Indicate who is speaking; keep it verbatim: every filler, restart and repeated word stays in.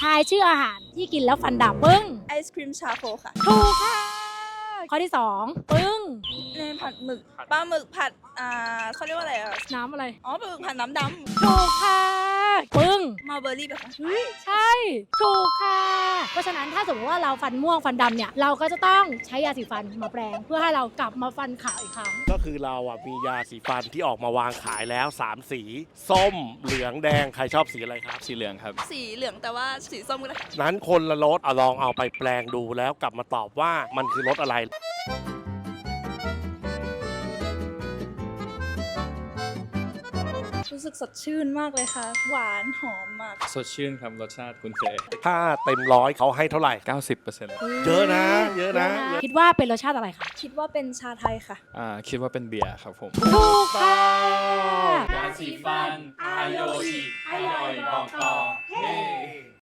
Speaker 1: ทายชื่ออาหารที่กินแล้วฟันดาบปึ้ง
Speaker 2: ไอศครีมชาโคค่ะ
Speaker 1: ถูกค่ะข้อที่สองปึ้ง
Speaker 2: เนยผัดหมึกปลาหมึกผัดอ่าเขาเรียกว่าอะไรอ่ะ
Speaker 1: น้ำอะไร
Speaker 2: อ๋อปลาหมึกผัดน้ำด
Speaker 1: ถูกค่ะปึ้ง
Speaker 2: ำมาเบอร์รี่แบบ
Speaker 1: เฮ้ยใช่ถูกค่ะเพราะฉะนั้นถ้าสมมติว่าเราฟันม่วงฟันดำเนี่ยเราก็จะต้องใช้ยาสีฟันมาแปรงเพื่อให้เรากลับมาฟันขาวอีกครั้ง
Speaker 3: ก็คือเราอ่ะมียาสีฟันที่ออกมาวางขายแล้วสามสีส้มเหลืองแดงใครชอบสีอะไรครับ
Speaker 4: สีเหลืองครับ
Speaker 2: สีเหลืองแต่ว่าสีส้มก็ได้
Speaker 3: นั้นคนละรสเอาลองเอาไปแปลงดูแล้วกลับมาตอบว่ามันคือรสอะไร
Speaker 2: รู้สึกสดชื่นมากเลยค่ะหวานหอมมาก
Speaker 4: สดชื่นครับรสชาติคุณเจ
Speaker 3: ถ้าเต็มร้อยเขาให้เท่าไหร่
Speaker 4: เก้าสิบเปอร์เซ็นต์
Speaker 3: เยอะนะเยอะนะ
Speaker 1: คิดว่าเป็นรสชาติอะไรคะ
Speaker 2: คิดว่าเป็นชาไทยค่ะ
Speaker 4: อ่าคิดว่าเป็นเบียร์ครับผม
Speaker 1: ถูกค่ะ
Speaker 4: ยาสีฟันอายโยอิอร่อยบอกต่อเฮ้